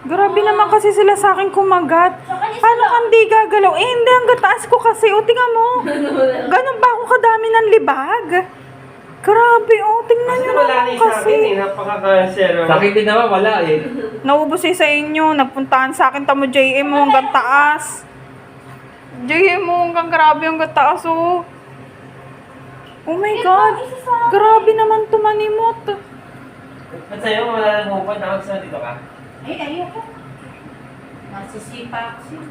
Grabe naman kasi sila sa akin kumagat. Paano kang di gagalaw? Eh, hindi. Ang gataas ko kasi. O, tingnan mo. Ganun ba ako kadami ng libag? Grabe, oh. Tingnan Kasi nyo wala naman na sa akin kasi. eh. Napaka-cancer. Sa akin din naman, wala eh. Naubos eh sa inyo. Nagpuntahan sa akin tamo JM mo hanggang taas. JM mo hanggang grabe hanggang taas, oh. Oh my God. Grabe naman tumanimot. At sa'yo, wala nang hupad. Nakag sa dito ka. Ay, ayoko. Masisipa kasi.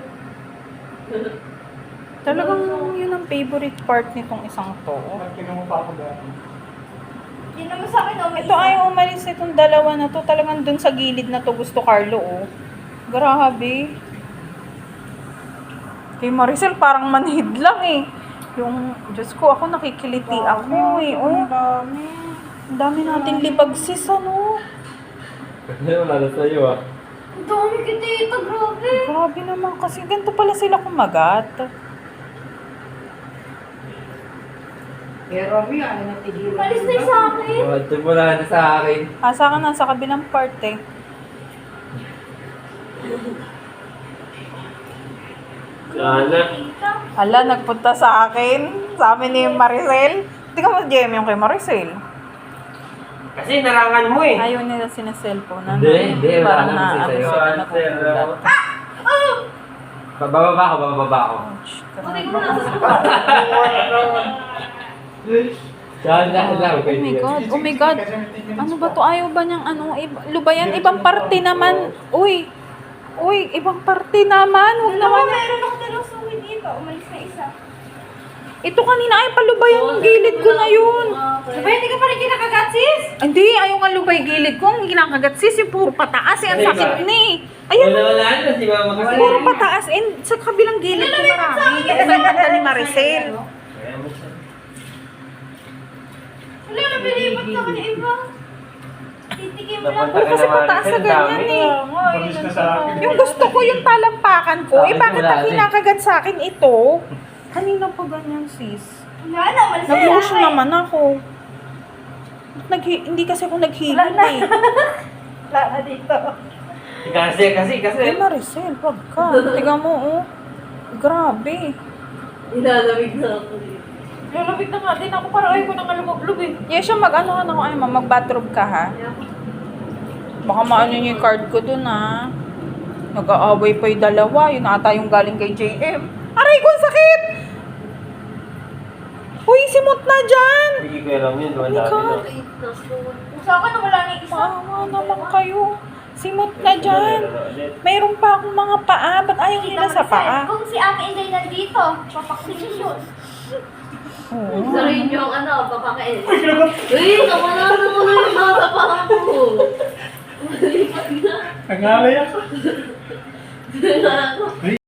Talagang yun ang favorite part nitong isang to. Tingnan mo pa ako dati. Hindi naman sa akin, oh. Ito ayaw umalis nitong dalawa na to. Talagang dun sa gilid na to gusto Carlo, oh. Grabe. Kay Maricel parang manhid lang eh. Yung, Diyos ko, ako nakikiliti ako eh. Oh, ang dami natin libag sis, ano. Wala na sa'yo ah. Ang dami kita ito, grabe. Grabe naman kasi. Ganito pala sila kumagat. Pero Romy, ano na tigilan? Malis na yung sa akin. Ito mo na sa akin. Asa ka na sa kabilang part eh. Sana. Hala, nagpunta sa akin. Sa amin ni Maricel. Tingnan mo, JM yung kay Maricel. Kasi narangan mo eh. Ayaw nila sinaselfone. Hindi, wala Parang na na, kasi ano sa'yo. sila, nakukulat. Bababa ako. Ouch. Buti ko na sa Saan na lang. Oh my God, oh my God. Ano ba to? Ayaw ba niyang ano? Lubayan, ibang parte naman. Uy, ibang parte naman. Huwag naman. Meron ako dalawang suwi dito. Umalis na isa. Ito kanina ay palubayan yung gilid ko na yun. Diba, hindi ka pa rin kinakagat, sis? Hindi, ayaw nga lubay gilid ko. Ang kinakagat sis, yung puro pataas. Eh, ang sakit ni. Ayun, Wala na si mama kasi. puro pataas. And sa kabilang gilid ko marami. Yung pinagkanta ni Maricel. Wala na pinipot sa kanya iba. Titikim lang. Napunta ka Kasi naman. pataas na Ang ganyan dami. eh. Palis na sa akin. Yung gusto ko yung talampakan ko. Eh, Bakit bakit wala ang din? kinakagat sa akin ito? Kanina pa ganyan, sis. Wala na, umalis na Nag-motion lang. naman ako. Hindi kasi ako naghilot eh. Wala na dito. Kasi. Eh, Maricel, wag ka. Tiga mo, oh. Grabe. Inalamig na ako dito. Lalabig na nga din ako. Parang ayaw ko nang kalubog eh. Yes, siya mag-ano ka na ako. Mag-bathrobe ka, ha? Baka maano niyo yung card ko dun, ha? Nag-aaway pa yung dalawa. Yun ata yung galing kay JM. Aray ko, ang sakit! Uy, simot na dyan! Hindi ko alam yun. Doon Oh my God. Kung sa akin, wala na yung isa. Maawa naman kayo. Simot na dyan. Mayroon pa akong mga paa. Ba't ayaw nila sa paa? Kung si Ate Inday nandito, papaksin yun. Oo. Sarin yung ano, papakain. Uy, nawala na mo na yung mga kapaka ko. Nangalay ako. Wala na.